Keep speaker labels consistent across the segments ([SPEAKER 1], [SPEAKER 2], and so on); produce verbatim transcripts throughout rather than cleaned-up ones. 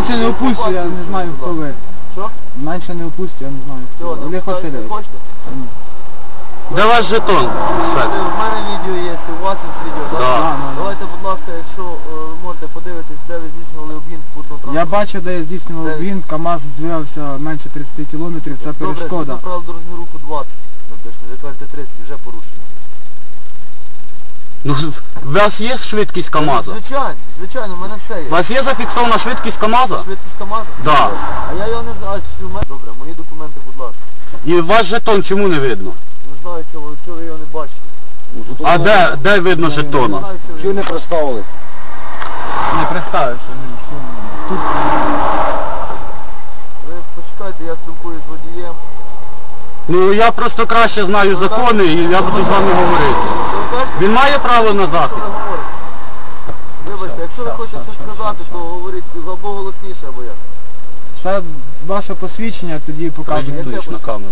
[SPEAKER 1] Менше не опустю, я не знаю хто ви.
[SPEAKER 2] Що?
[SPEAKER 1] Менше не опустю, я не знаю хто.
[SPEAKER 2] Все,
[SPEAKER 1] Олег Васильович.
[SPEAKER 2] хочете?
[SPEAKER 3] Де ваш жетон?
[SPEAKER 2] У мене відео є, у вас є відео, так?
[SPEAKER 3] Да.
[SPEAKER 1] Да, да,
[SPEAKER 2] Давайте, будь ласка, якщо е, ви можете подивитись, де ви здійснювали обгін путного
[SPEAKER 1] да. Я
[SPEAKER 2] транспорту.
[SPEAKER 1] бачив, де я здійснював
[SPEAKER 2] Де?
[SPEAKER 1] він, КАМАЗ двигався менше тридцяти кілометрів, це
[SPEAKER 2] Добре,
[SPEAKER 1] перешкода.
[SPEAKER 2] це правило дорожнього руху двадцять. Написано, ви кажете тридцять, вже порушено.
[SPEAKER 3] Ну, у вас є швидкість КАМАЗа?
[SPEAKER 2] Звичайно, звичайно, в мене все є.
[SPEAKER 3] У вас є зафіксована швидкість КАМАЗа?
[SPEAKER 2] Швидкість КАМАЗа?
[SPEAKER 3] Да.
[SPEAKER 2] А я його не знаю, що в мене... Добре, мої документи, будь ласка.
[SPEAKER 3] І ваш жетон чому не видно?
[SPEAKER 2] Не знаю, чого, чого ви його не бачите.
[SPEAKER 3] А де, де видно
[SPEAKER 2] Не
[SPEAKER 3] жетона?
[SPEAKER 2] знаю, чого ви-
[SPEAKER 1] Чого не представили? Не представився. Тут
[SPEAKER 2] Ви почекайте, я спілкуюсь з водієм.
[SPEAKER 3] Ну я просто краще знаю закони і я буду з вами говорити.
[SPEAKER 2] Що ви кажете?
[SPEAKER 3] Він має право на
[SPEAKER 2] Що
[SPEAKER 3] захист?
[SPEAKER 2] ви говорите? Вибачте, якщо ви хочете щось сказати, то говоріть або голосніше, або як.
[SPEAKER 1] це ваше посвідчення, тоді показує.
[SPEAKER 3] Продиктуєш на камеру.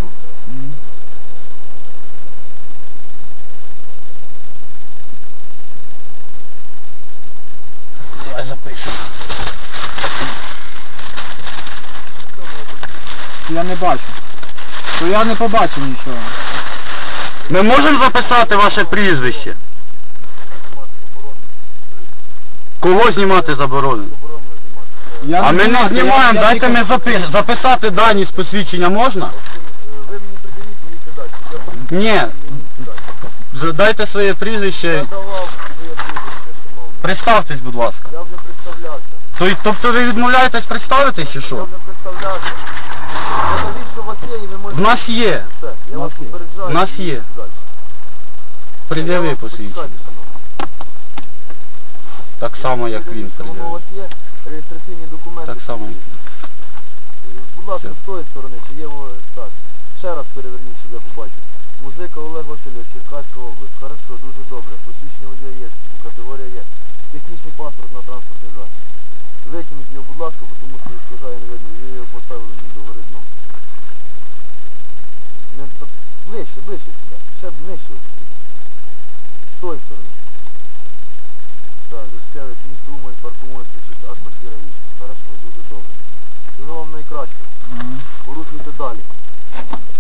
[SPEAKER 3] Давай запишемо.
[SPEAKER 1] Я не бачу. То я не побачив нічого.
[SPEAKER 3] Ми можемо записати ваше прізвище? Кого знімати заборонено?
[SPEAKER 2] Заборонено знімати.
[SPEAKER 1] Я
[SPEAKER 3] А ми не
[SPEAKER 1] знімаю, я-
[SPEAKER 3] знімаємо,
[SPEAKER 1] я
[SPEAKER 3] дайте
[SPEAKER 1] тільки-
[SPEAKER 3] ми запи- записати дані з посвідчення можна?
[SPEAKER 2] Е, Ви мені придивіть, їдьте далі.
[SPEAKER 3] Ні.
[SPEAKER 2] Їдьте далі.
[SPEAKER 3] З- Дайте своє
[SPEAKER 2] Я
[SPEAKER 3] прізвище.
[SPEAKER 2] давав своє прізвище, шановний.
[SPEAKER 3] Представтесь, будь ласка.
[SPEAKER 2] Я вже представлявся.
[SPEAKER 3] То- Тобто ви відмовляєтесь представитись чи
[SPEAKER 2] Я
[SPEAKER 3] що?
[SPEAKER 2] вже представлявся. Покажіть, що у вас є, і ви можете...
[SPEAKER 3] В нас є.
[SPEAKER 2] Все, я
[SPEAKER 1] В
[SPEAKER 2] вас
[SPEAKER 1] нас є.
[SPEAKER 2] попереджаю.
[SPEAKER 3] В нас
[SPEAKER 2] і
[SPEAKER 3] є.
[SPEAKER 2] їдьте далі.
[SPEAKER 3] Пред'яви
[SPEAKER 2] Я вас
[SPEAKER 3] посвідчення.
[SPEAKER 2] почекайте, шановний.
[SPEAKER 3] Так само, як він
[SPEAKER 2] Воно у
[SPEAKER 3] пред'явив.
[SPEAKER 2] вас є реєстраційні документи.
[SPEAKER 3] Так само.
[SPEAKER 2] Будь ласка, з тої сторони, чи є воно так. Ще раз переверніть, щоб я побачив. Музика Олег Васильович, Черкаська область. Хорошо, дуже добре. Посвідчення водія є, категорія є. Технічний паспорт на транспортний засіб. Витягніть його, будь ласка, бо тому що сказаю не видно. Ви його поставили не до гори дном. Не, так, ближче, ближче сюди. Ще б нижче. З тої сторони. Так, Жишкевич, місто Умань, паркумон, тридцять А, квартира вісім. Хорошо, дуже добре. Всього вам найкраще.
[SPEAKER 1] Ага.
[SPEAKER 2] Порушуйте далі.